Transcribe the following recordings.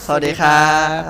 สวัสดีครับ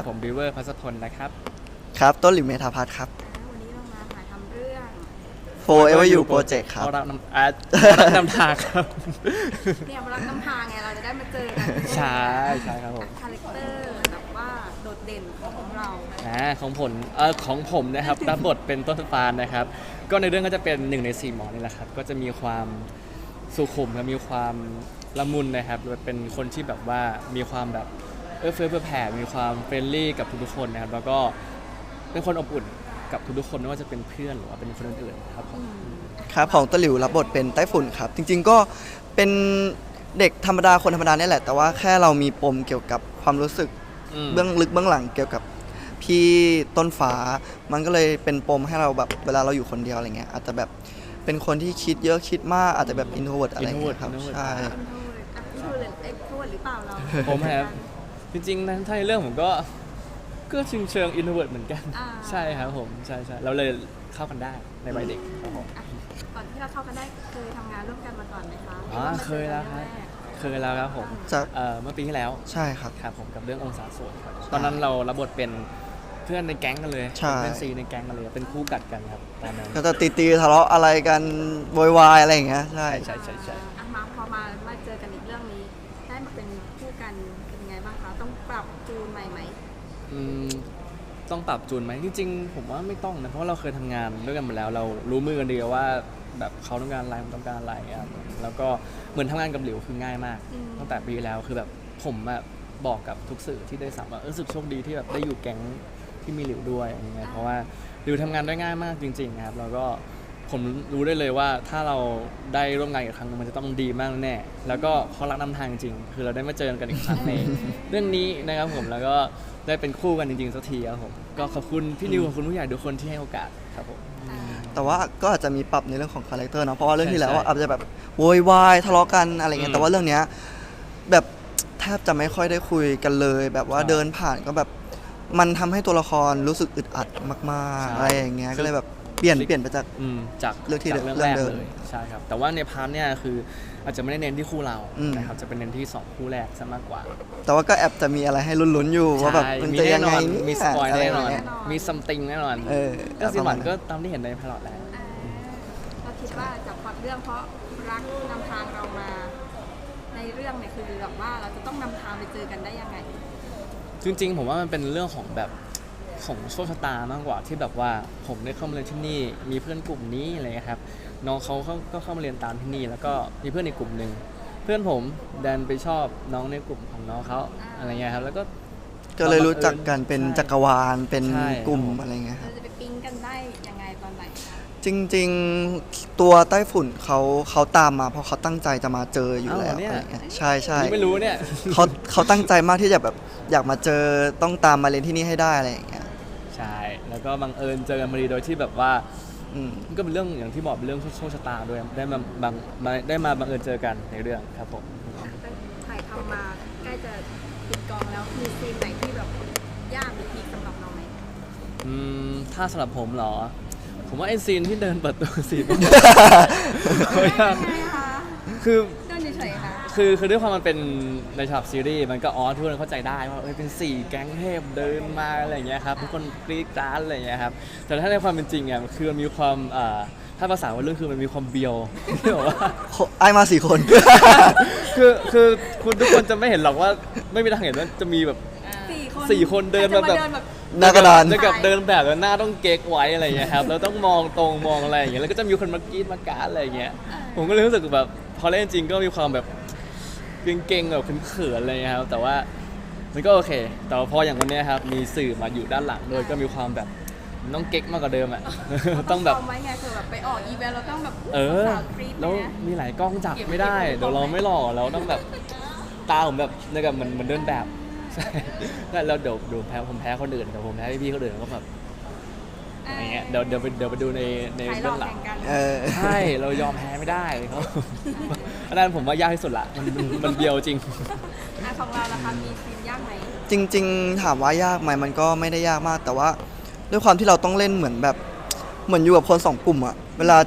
ผมบิวเวอร์พัสพลนะครับครับต้นหลิวเมธาพัฒน์ครับวันนี้เรามาถ่ายทำเรื่อง Forever You Project ครับเรารับนำทางครับเนี่ยรักน้ำพาไงเราจะได้มาเจอกันใช่ครับผมคาแรคเตอร์แบบว่าโดดเด่นของเราของผมนะครับ รับบทเป็นต้นฟานนะครับ ก็ในเรื่องก็จะเป็น1 ใน 4หมอนี่แหละครับก็จะมีความสุขุมและมีความละมุนนะครับเป็นคนที่แบบว่ามีความแบบเอื้อเฟื้อเผื่อแผ่มีความเฟรนลี่กับทุกๆคนนะครับแล้วก็เป็นคนอบอุ่นกับทุกๆคนไม่ว่าจะเป็นเพื่อนหรือว่าเป็นคนอื่นๆครับผมครับของต้นหลิวรับบทเป็นไต้ฝุ่นครับ จริงๆก็เป็นเด็กธรรมดาคนธรรมดาเนี่ยแหละ แต่ว่าแค่เรามีปมเกี่ยวกับความรู้สึกเบื้องลึกเบื้องหลังเกี่ยวกับพี่ต้นฟ้า มันก็เลยเป็นปมให้เราแบบเวลาเราอยู่คนเดียวอะไรเงี้ยอาจจะแบบเป็นคนที่คิดเยอะคิดมากอาจจะแบบอินโทรเวิร์ตอะไรเงี้ยครับ introvert ใช่พูดหรือเปล่าเราผมครับจริงๆนั้นถ้าในเรื่องผมก็เชิงอินโทรเวิร์ตเหมือนกันใช่ครับผมใช่เราเลยเข้ากันได้ในวัยเด็กครับผมก่อนที่เราเข้ากันได้เคยทำงานร่วมกันมาก่อนไหมคะเคยแล้วครับผมจากเมื่อปีที่แล้วใช่ครับครับผมกับเรื่ององศาส่วนครับตอนนั้นเรารับบทเป็นเพื่อนในแก๊งกันเลยใช่เป็นซีในแก๊งกันเลยเป็นคู่กัดกันครับตอนนั้นก็จะตีทะเลาะอะไรกันโวยวายอะไรอย่างเงี้ยใช่ใช่มาพอมาเจอกันอีกเรื่องนี้ได้มาเป็นคู่กันเป็นยังไงบ้างคะต้องปรับจูนใหม่ไหมอืมต้องปรับจูนไหมจริงๆผมว่าไม่ต้องนะเพราะว่าเราเคยทำงานด้วยกันมาแล้วเรารู้มือกันดีว่าแบบเขาต้องการอะไรผมต้องการอะไรครับแล้วก็เหมือนทำงานกับหลิวคือง่ายมากตั้งแต่ปีแล้วคือแบบผมอะบอกกับทุกสื่อที่ได้สัมว่ารู้สึกโชคดีที่แบบได้อยู่แก๊งที่มีหลิวด้วยอย่างเงี้ยเพราะว่าหลิวทำงานได้ง่ายมากจริงๆครับแล้วก็ผมรู้ได้เลยว่าถ้าเราได้ร่วมงานอีกครั้งนึงมันจะต้องดีมากแน่แล้วก็เขารักนำทางจริงคือเราได้มาเจอกันอีกครั้งใน เรื่องนี้นะครับผมแล้วก็ได้เป็นคู่กันจริงๆสักทีครับผมก็ขอบคุณพี่นิวขอบคุณผู้ใหญ่ทุกคนที่ให้โอกาสครับผมแต่ว่าก็อาจจะมีปรับในเรื่องของคาแรคเตอร์เนาะเพราะว่าเรื่องที่แล้วใช่อาจจะแบบโวยวายทะเลาะกันอะไรเงี้ยแต่ว่าเรื่องเนี้ยแบบแทบจะไม่ค่อยได้คุยกันเลย แบบว่าเดินผ่านก็แบบมันทำให้ตัวละครรู้สึกอึดอัดมากๆอะไรอย่างเงี้ยก็เลยแบบเปลี่ยนไปจากจากเรื่องที่จากเรื่องแรกเดิมเลยใช่ครับแต่ว่าในพาร์ทเนี่ยคืออาจจะไม่ได้เน้นที่คู่เรานะครับจะเป็นเน้นที่2คู่แรกซะมากกว่าแต่ว่าก็แอบจะมีอะไรให้ลุ้นๆอยู่ว่าแบบใช่มันมีจะแน่ยังนไงอนเยมีสปอยะไรแน่นอนย่างเงี้ยมีซัมติงแน่นอน ก็สิประหมาวัณนนั้นก็ตามที่เห็นในพลอตแล้วเราคิดว่าจากพล็อตเรื่องเพราะรักนำทางเรามา ในเรื่องเนี่ยคือแบบว่าเราจะต้องนำทางไปเจอกันได้ยังไงจริงๆผมว่ามันเป็นเรื่องของแบบของโชคชะตามากกว่าที่แบบว่าผมได้เข้ามาเรียนที่นี่มีเพื่อนกลุ่มนี้อะไรเงี้ยครับน้องเขาก็เข้ามาเรียนตามที่นี่แล้วก็มีเพื่อนในกลุ่มหนึ่งเพื่อนผมดันไปชอบน้องในกลุ่มของน้องเขาอะไรเงี้ยครับแล้วก็ก็เลยรู้จักกันเป็นใช่จักรวาลเป็นใช่กลุ่มอะไรเงี้ยคเรารับจะไปปิ๊งกันได้ยังไงตอนไหนคะจริงๆตัวไต้ฝุ่นเขาตามมาเพราะเขาตั้งใจจะมาเจออยู่แล้วอะไรเงี้ยใช่ใช่นี่ไม่รู้เนี่ยเขาตั้งใจมากที่จะแบบอยากมาเจอต้องตามมาเรียนที่นี่ให้ได้อะไรอย่างเงี้ยใช่แล้วก็บังเอิญเจอกันพอดีโดยที่แบบว่าอืมมันก็เป็นเรื่องอย่างที่บอกเป็นเรื่องโชคชะตาด้วยได้มาบังเอิญเจอกันในเรื่องครับผมถ่ายทำมาใกล้จะปิดกองแล้วมีซีนไหนที่แบบยากหรือพีคสำหรับเราไหมถ้าสำหรับผมเหรอ ผมว่าไอซีนที่เดินเปิดตัวซีนยังไงคะคือเดินเฉยๆค่ะคือด้วยความมันเป็นในฉากซีรีส์มันก็ทุกคนเข้าใจได้ว่าเป็น4แก๊งเทพเดินมาอะไรอย่างเงี้ยครับทุกคนกรี๊ดกราดอะไรอย่างเงี้ยครับแต่ถ้าในความเป็นจริงอ่ะคือมันมีความถ้าภาษาวัยรุ่นคือมันมีความเบียว ที่บอกว่าไอ้มา4 คนคือคุณทุกคนจะไม่เห็นหรอกว่าไม่มีทางเห็นว่าจะมีแบบ 4 คนเดินมาแบบหน้ากระดานจะกับเดินแบบแล้วหน้าต้องเก๊กไว้อะไรอย่างเงี้ยครับแล้วต้องมองตรงมองอะไรอย่างเงี้ยแล้วก็จะมีคนมากรี๊ดมากราดอะไรอย่างเงี้ยผมก็เลยรู้สึกแบบพอเล่นจริงก็มีความแบบเก่งๆแบบเขินๆอะไรอย่างเงี้ยครับแต่ว่ามันก็โอเค แต่ว่าพออย่างวันเนี้ยครับมีสื่อมาอยู่ด้านหลังด้วยก็มีความแบบต้องเก๊กมากกว่าเดิมอ่ะ ต้องแบบซ้มไว้ไงคือแบบไปออกอีเวนต์เราต้องแบบแล้วสาวกรี๊ดแล้วนะมีหลายกล้องจับไม่ได้เดี๋ยวเราไม่หล่อเราต้องแบบตาผมแบบเนี่ยกับเหมือนเดินแบบใช่แล้วเดี๋ยวผมแพ้คนอื่นแต่ผมแพ้พี่ๆคนอื่นก็แบบอะไรเงี้ยเดี๋ยวไปดูในถ่ายหลเบื้ออก งหลัแข่งงกันเออใช่เรายอมแพ้ไม่ได้เขาอันนั้นผมว่ายากที่สุดละมันเบียวจริงของเราล่ะคะมีซีนยากไหมจริงๆถามว่ายากไหมมันก็ไม่ได้ยากมาก แต่ว่าด้วยความที่เราต้องเล่นเหมือนอยู่กับคน2 กลุ่มอะเวลาเจอกับ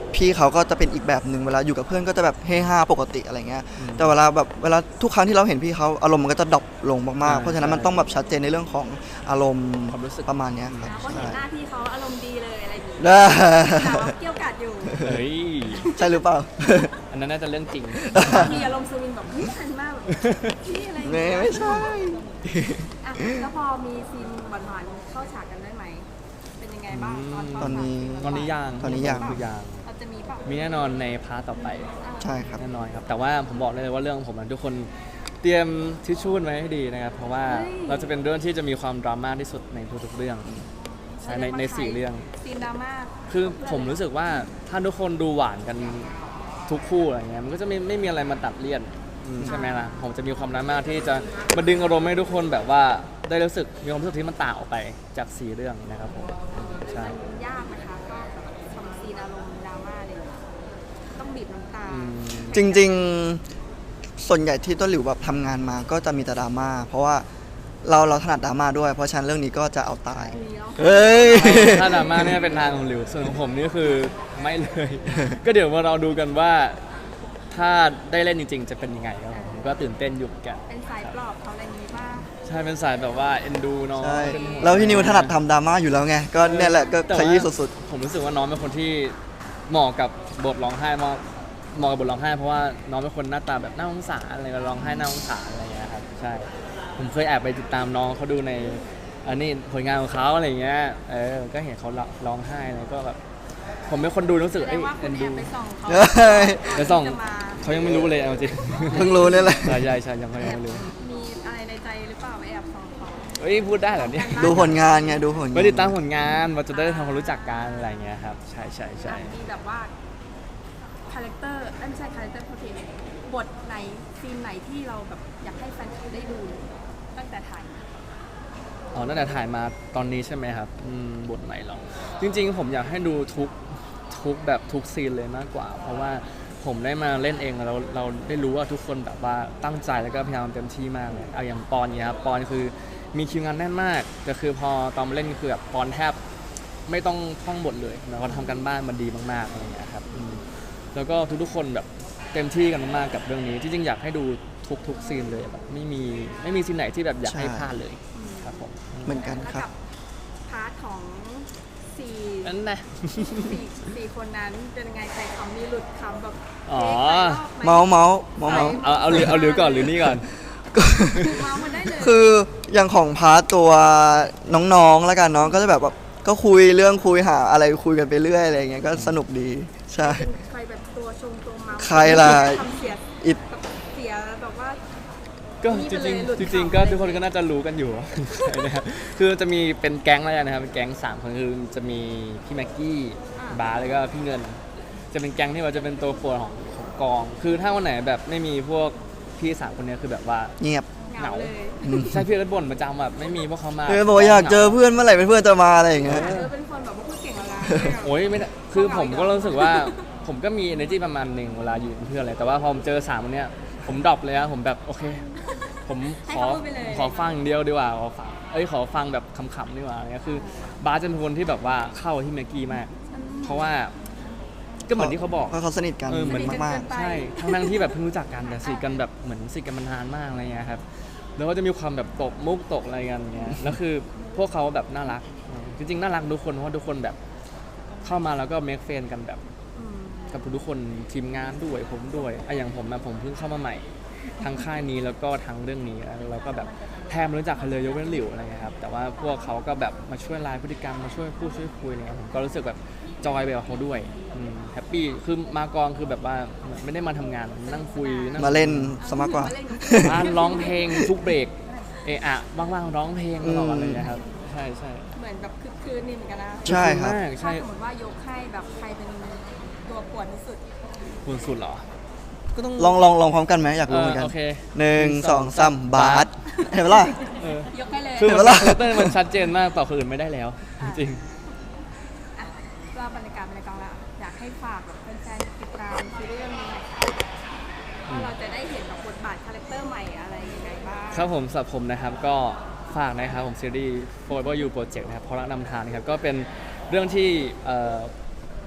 พี่เขาก็จะเป็นอีกแบบหนึ่งเวลาอยู่กับเพื่อนก็จะแบบเฮฮาปกติอะไรเงี้ยแต่เวลาทุกครั้งที่เราเห็นพี่เขาอารมณ์มันก็จะดรอปลงมากๆเพราะฉะนั้นมันต้องแบบชัดเจนในเรื่องของอารมณ์ความรู้สึกประมาณเนี้ยครับเพราะเห็ใช่นหน้าพี่เขาอารมณ์ดีเลยอะไรอย่างงี้ได้แต่ว่าเกี่ยวกาดอยู่เฮ้ยใช่หรือเปล่าอันนั้นน่าจะเรื่องจริงมีอารมณ์สวิงแบบไม่ทันมากแบบพี่อะไรอย่างไม่เงี้ยไม่ใช่อ่ะแล้วพอมีซีนหวานๆเข้าฉากกันได้ไหมเป็นยังไงบ้างตอนเข้าฉากตอนนี้ตอนนี้ยังตอนนี้ยังคือยังเราจะมีเปล่ามีแน่นอนในพาร์ทต่อไปใช่ครับแน่นอนครับ แต่ว่าผมบอกได้เลยว่าเรื่องของผมนะทุกคนเตรียมทิชชู่ไว้ให้ดีนะครับ เพราะว่าเราจะเป็นเรื่องที่จะมีความดราม่าที่สุดในทุกๆเรื่องใช่ใน4เรื่องซีนดราม่าคือผมรู้สึกว่าถ้าทุกคนดูหวานกันทุกคู่อะไรเงี้ยมันก็จะไม่มีอะไรมาตัดเลี่ยนใช่ไหมล่ะผมจะมีความดราม่าที่จะมาดึงอารมณ์ให้ทุกคนแบบว่าได้รู้สึกมีความรู้สึกที่มันต่างออกไปจาก4เรื่องนะครับผมใช่มันยากนะคะก็แบบทำซีนอารมณ์ดราม่าเลยต้องบีบน้ำตาจริงๆส่วนใหญ่ที่ต้นหลิวแบบทำงานมาก็จะมีแต่ดราม่าเพราะว่าเราถนัดดราม่าด้วย เพราะฉะนั้นเรื่องนี้ก็จะเอาตายมีแล้วเฮ้ยถ้าดราม่าเนี่ยเป็นทางของหลิวส่วนของผมนี่คือไม่เลย ก็เดี๋ยวมาเราดูกันว่าถ้าได้เล่นจริง ๆ จะเป็นยังไงครับผมก็ตื่นเต้นอยู่เหมือนกันเป็นสายปลอบเขาอะไรอย่างนี้ป่ะใช่เป็นสายแบบว่าเอ็นดูน้องใช่เป็นห่งแล้วพี่นิวถนัดทำดราม่าอยู่แล้วไง ก็เนี่ยแหละก็แต่ขว่ายี้สุดผมรู้สึกว่าน้องเป็นคนที่เหมาะกับบทร้องไห้เหมาะกับบทร้องไห้เพราะว่าน้องเป็นคนหน้าตาแบบน่าสงสารอะไรก็ร้องไห้น่าสงสารอะไรอย่างเงี้ยครับใช่ผมเคยแอบไปติดตามน้องเขาดูในอันนี้ผลงานของเขาอะไรอย่างเงี้ยก็เห็นเขาร้องไห้อะไรก็แบบผมเป็นคนดูรู้สึกแสดเอ้งยว่าคุเอ็ณนแอดูบไปส่องเขาเฮ้ยไปส่องจะมาเขายังไม่รู้เลยเอาจริงๆ เพิ่งรู้เนี่ยแหละใช่ใช่ยังไม่รู้มีอะไรในใจหรือเปล่าไปแอบส่องเขาเฮ้ยพูดได้เหรอเนี่ยดูผลงานไงดูผลงานไปติดตามผลงานเราจะได้ทำความรู้จักกันอะไรอย่างเงี้ยครับใช่ใช่มีแบบว่าคาแรคเตอร์ไม่ใช่คาแรคเตอร์โปรตีนบทไหนซีนไหนที่เราแบบอยากให้แฟนคลับได้ดูตั้งแต่ถ่ายมาอ๋อตั้งแต่ถ่ายมาตอนนี้ใช่ไหมครับบทไหนหรอจริงๆ ผมอยากให้ดูทุกแบบทุกซีนเลยมากกว่า เพราะว่าผมได้มาเล่นเองแล้วเราได้รู้ว่าทุกคนแบบว่าตั้งใจแล้วก็พยายามเต็มที่มากเลยเอาอย่างปอนเนี่ยครับปอนคือมีคิวงานแน่นมากแต่คือพอตอนมาเล่นคือแบบปอนแทบไม่ต้องท่องบทเลยนะเขาทำกันบ้านมันดีมากๆอะไรอย่างเงี้ยครับแล้วก็ทุกๆคนแบบเต็มที่กันมากๆกับเรื่องนี้จริงๆอยากให้ดูทุกซีนเลยแบบไม่มีซีนไหนที่แบบอยากให้พลาดเลยครับผมเหมือนกันแล้วครับกับพาร์ทของสี่นั่นนะสี่คนนั้นเป็นยังไงใครคำนี้หลุดคำแบบอ๋อเมาเมาเมาเมาเอาหรือก่อนหรือนี่ก่อนเมามันได้เลยคืออย่างของพาร์ทตัวน้องๆแล้วกันน้องก็จะแบบว่าก็คุยเรื่องคุยหาอะไรคุยกันไปเรื่อยอะไรอย่างเงี้ยก็สนุกดีใช่เป็นใครแบบตัวชงตัวเมาใครล่ะทำเสียอิดเสียแบบว่าก็นี่จไปริงเลยหลุดๆจริงๆข่าวก็ทุกคนก็น่าจะรู้กันอยู่ ใช่นะครับคือจะมีเป็นแก๊งแล้วกันนะครับเป็นแก๊ง3คนคือจะมีพี่แม็กกี้บาร์แล้วก็พี่เงิน จะเป็นแก๊งที่ว่าจะเป็นตัวโปรดของกอง คือถ้าวันไหนแบบไม่มีพวกพี่3คนเนี้ยคือแบบว่าเงียบเหงาเลยใช่พี่เอิร์ธบ่นประจำแบบไม่มีพวกเขามาเลยบอกว่าอยากเจอเพื่อนเมื่อไหร่เป็นเพื่อนจะมาอะไรอย่างเงี้ยเป็นคนแบบว่าพูดเก่งอะไรโอ้ยไม่ได้คือผมก็รู้สึกว่า ผมก็มี energy ประมาณหนึ่งเวลาอยู่เป็นเพื่อนอะไรแต่ว่าพอผมเจอ3คนเนี้ยผมดรอปเลยนะผมแบบโอเค ผมขอฟังอย่างเดียวดีกว่าขอฟังแบบขำๆดีกว่าอะไรเงี้ยคือบาสจะเป็นคนที่แบบว่าเข้าที่แม็กกี้มาก เพราะว่าก็เหมือนที่เขาบอกเพราะเขาสนิทกันเหมือนมากใช่ทั้งที่แบบเพิ่งรู้จักกันแต่สนิทกันแบบเหมือนสนิทกันมานานมากอะไรเงี้ยครับแล้วก็จะมีความแบบตกมุกตกอะไรกันเงี้ยแล้วคือพวกเขาแบบน่ารักจริงๆน่ารักทุกคนเพราะว่าทุกคนแบบเข้ามาแล้วก็เมคเฟนกันแบบกับทุกคนทีมงานด้วยผมด้วยอย่างผมนะผมเพิ่งเข้ามาใหม่ทั้งค่ายนี้แล้วก็ทั้งเรื่องนี้แล้วก็แบบแทบไม่รู้จักใครเลยยกเว้นหลิวอะไรเงี้ยครับแต่ว่าพวกเขาก็แบบมาช่วยไลน์พฤติกรรมมาช่วยพูดช่วยคุยอะไรเงี้ยผมก็รู้สึกแบบจอยไปกับเขาด้วยแฮปปี้คือมากองคือแบบว่าไม่ได้มาทำงานนั่งคุยนั่งๆมาเล่นสมากกว่าบ้านร้องเพลงทุกเบรกว่างๆร้องเพลงตลอดเลยนะครับใช่ใช่เหมือนแบบคึกคืนนี่เหมือนกันนะใช่ครับมากถ้าใช่สมมติว่ายกให้แบบใครเป็นตัวป่วนที่สุดคุณสุดเหรอก็ต้องลองพร้อมกันไหมอยากรู้เหมือนกันโอเค 1 2 3 บาสเห็นปะล่ะยกให้เลยคือเห็นมัปะนล่ะเต้นมันชัดเจนมากต่อคนอื่นไม่ได้แล้ว จริงอ่ะว่าบรรยากาศในกองละอยากให้ฝากแบบแฟนๆติดตามซีรีส์เรื่องนี้หน่อยค่ะว่าเราจะได้เห็นแบบบทบาทคาแรคเตอร์ใหม่อะไรยังไงบ้างครับผมสำหรับผมนะครับก็ฝากนะครับผมซีรีส์ Forever You Project นะครับเพราะรักนำทางนะครับก็เป็นเรื่องที่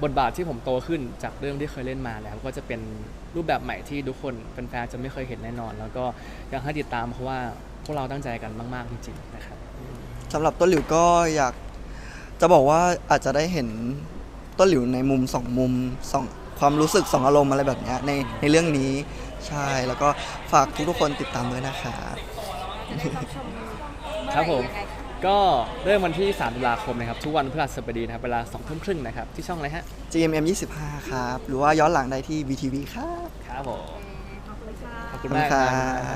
บทบาทที่ผมโตขึ้นจากเรื่องที่เคยเล่นมาแล้วก็จะเป็นรูปแบบใหม่ที่ทุกคนแฟนๆจะไม่เคยเห็นแน่นอน แล้วก็อยากให้ติดตามเพราะว่าพวกเราตั้งใจกันมากๆจริงๆนะครับสำหรับต้นหลิวก็อยากจะบอกว่าอาจจะได้เห็นต้นหลิวในมุมสองมุมสองความรู้สึกสองอารมณ์อะไรแบบเนี้ยในเรื่องนี้ใช่แล้วก็ฝากทุกๆคนติดตามด้วยนะครับจะได้รับชมเมื่อไหครับผมยังไงคะก็เริ่มวันที่3 ตุลาคมนะครับทุกวันพฤหัสบดีนะครับเวลา 20:30 นนะครับที่ช่องอะไรฮะ GMM 25ครับหรือว่าย้อนหลังได้ที่ VTV ครับครับผมขอบคุณค่ะขอบคุณมากครับ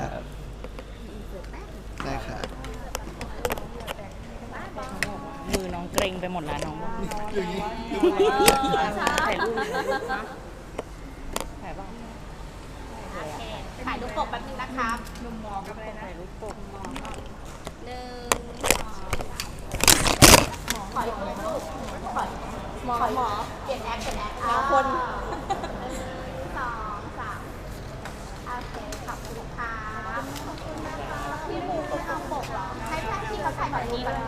ได้ครับมือน้องเกรงไปหมดแล้วน้องบอกถ่ายรูปนะถ่ายบ้างถ่ายรูปปกแป๊บนึงนะครับมุมมองกับอะไรนะถ่ายรูปปกหนึ่งขออีกรูปหมอเปลี่ยนแอคคนสองสามโอเคขอบคุณค่ะพี่มูไม่เอาปกหรอให้พี่เขาถ่ายแบบนี้ก่อน